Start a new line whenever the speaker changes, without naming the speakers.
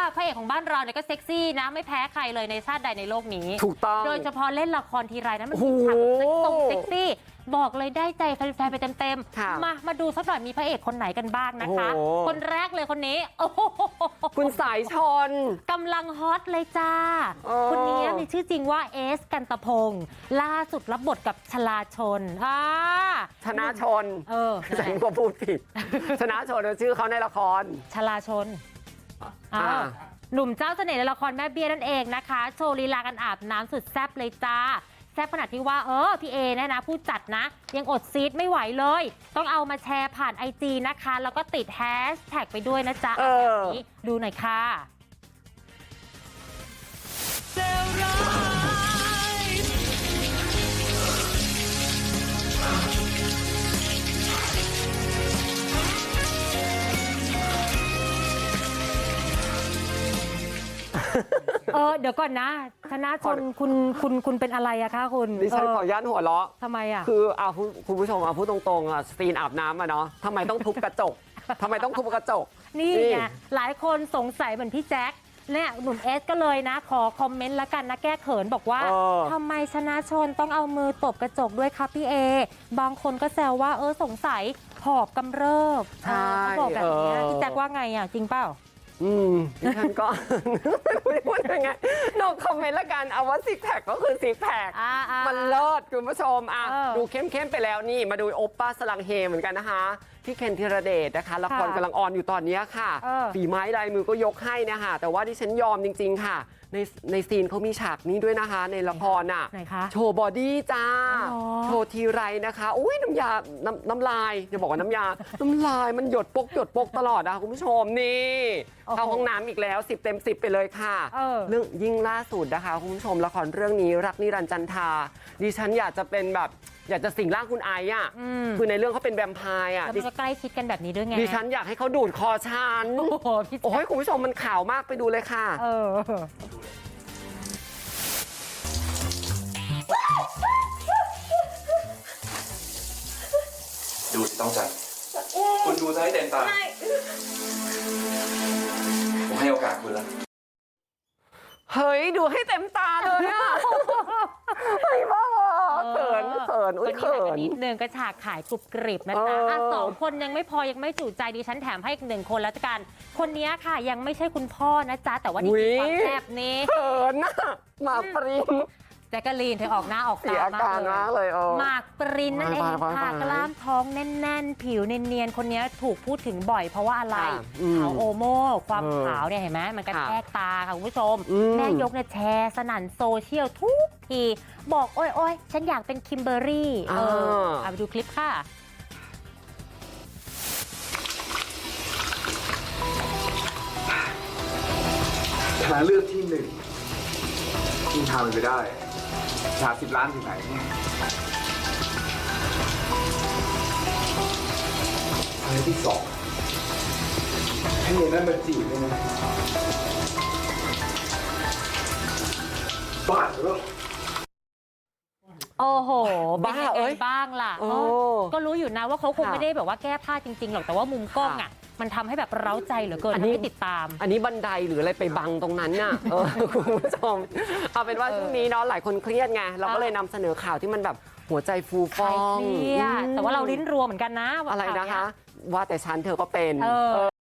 พระเอกของบ้านเราเนี่ยก็เซ็กซี่นะไม่แพ้ใครเลยในชาติใดในโลกนี้
ถูกต้อง
โดยเฉพาะเล่นละครทีไรนั้นมันมีฉากเซ็กซี่บอกเลยได้ใจแฟนๆไปเต็มๆมาดูสักหน่อยมีพระเอกคนไหนกันบ้างนะคะคนแรกเลยคนนี้โอ้โห
คุณสายชน
กำลังฮอตเลยจ้าคนนี้มีชื่อจริงว่าเอสกันตะพงศ์ล่าสุดรับบทกับชลาชน
ชนะชนฉันก็พูดผิดชนะชนชื่อเขาในละคร
ชลาชนหนุ่มเจ้าเสน่ห์ในละครแม่เบี้ยนั่นเองนะคะโชว์ลีลากันอาบน้ำสุดแซ่บเลยจ้าแซ่บขนาดที่ว่าพี่เอเนี่ยนะผู้จัดนะยังอดซีดไม่ไหวเลยต้องเอามาแชร์ผ่าน IG นะคะแล้วก็ติดแฮชแท็กไปด้วยนะจ๊ะแบบนี้ดูหน่อยค่ะเดี๋ยวก่อนนะชนะชนคุณเป็นอะไรอะคะคุณ
ดิฉันขออนุญาตหัวเราะ
ทำไมอะ
คือคุณผู้ชมพูดตรงๆซีนอาบน้ำอะเนาะทำไมต้องทุบกระจกทำไมต้องทุบกระจก
นี่ไงหลายคนสงสัยเหมือนพี่แจ๊คเนี่ยหนุ่มเอสก็เลยนะขอคอมเมนต์ละกันนะแก้เขินบอกว่าทำไมชนะชนต้องเอามือตบกระจกด้วยครับพี่เอบางคนก็แซวว่าสงสัยหอบกำเริบเขาบอกแบบนี้พี่แจ๊คว่าไงอะจริงเปล่า
ดิฉันก็ไม่รู้จะพูดยังไงนอกคอมเมนต์ละกันเอาว่าซิกแพคก็คือซิกแพคมันเลิศคุณผู้ชมดูเข้มๆไปแล้วนี่มาดูโอปป้าสลังเฮเหมือนกันนะคะพี่เคนธีรเดชนะคะละครกำลังออนอยู่ตอนนี้ค่ะฝีไม้ลายมือก็ยกให้นะคะแต่ว่าดิฉันยอมจริงๆค่ะในซีนเขามีฉากนี้ด้วยนะคะในละครโชว์บอดี้จ้าโชว์ทีไรนะคะอุ้ยน้ำลายจะบอกว่าน้ำลายมันหยดปกตลอดคุณผู้ชมนี่เข้าห้องน้ำอีกแล้ว10 เต็ม 10ไปเลยค่ะเรื่องยิ่งล่าสุดนะคะคุณผู้ชมละครเรื่องนี้รักนิรันดร์จันทราดิฉันอยากจะเป็นแบบอยากจะสิงร่างคุณไอซ์คือในเรื่องเขาเป็นแวมไพร์
แล้วมันก็ใกล้ชิดกันแบบนี้ด้วยไง
ดิฉันอยากให้เขาดูดคอฉันโอ้ยคุณผู้ชมมันข่าวมากไปดูเลยค่ะ
ดูต้องจัดคุณดูจะให้เต็มตาผมให้โอกาสคุณแล้ว
เฮ้ยดูให้เต็มตาเลยอะเฮ้ยบ้าเขินอุ้ยเขิน
นิดนึงก็ฉากขายกรุบกริบนะจ๊ะ2 คนยังไม่พอยังไม่จุใจดิฉันแถมให้อีก1 คนแล้วกันคนนี้ค่ะยังไม่ใช่คุณพ่อนะจ๊ะแต่ว่านี่คือความแซ่บนี้
เขินนะหมากปริน
แจ๊กกะลีนเธอออกหน้าออกตาม
ากเลย
หมากปรินนั่นเองค่ะกล้ามท้องแน่นๆผิวเนียนๆคนนี้ถูกพูดถึงบ่อยเพราะว่าอะไรขาวโอโม่ความขาวเนี่ยเห็นไหมมันกระแทกตาค่ะคุณผู้ชมแม่ยกเนี่ยแชร์สนั่นโซเชียลทุกทีบอกโอ้ยฉันอยากเป็นคิมเบอร์รี่เอาไปดูคลิปค่ะ
ชนะเลือกที่1ที่ทำไปได้ชา10 ล้านถึงไหนอันที่2ให้เนนั่นมาจีบได้ไหมบ้าหรือ
โอ้โหบ้าบ้างล่ะก็รู้อยู่นะว่าเขาคงไม่ได้แบบว่าแก้ผ้าจริงๆหรอกแต่ว่ามุมกล้องมันทำให้แบบเร้าใจเหลือเกินทำให้ติดตาม
อันนี้บันไดหรืออะไรไปบังตรงนั้นน่ะคุณผู้ชมเอาเป็นว่าช่วงนี้เนาะหลายคนเครียดไงเราก็เลยนำเสนอข่าวที่มันแบบหัวใจฟูฟ่อง
แต่ว่าเราลิ้นรัวเหมือนกันนะ
อะไรนะคะว่าแต่ฉันเธอก็เป็น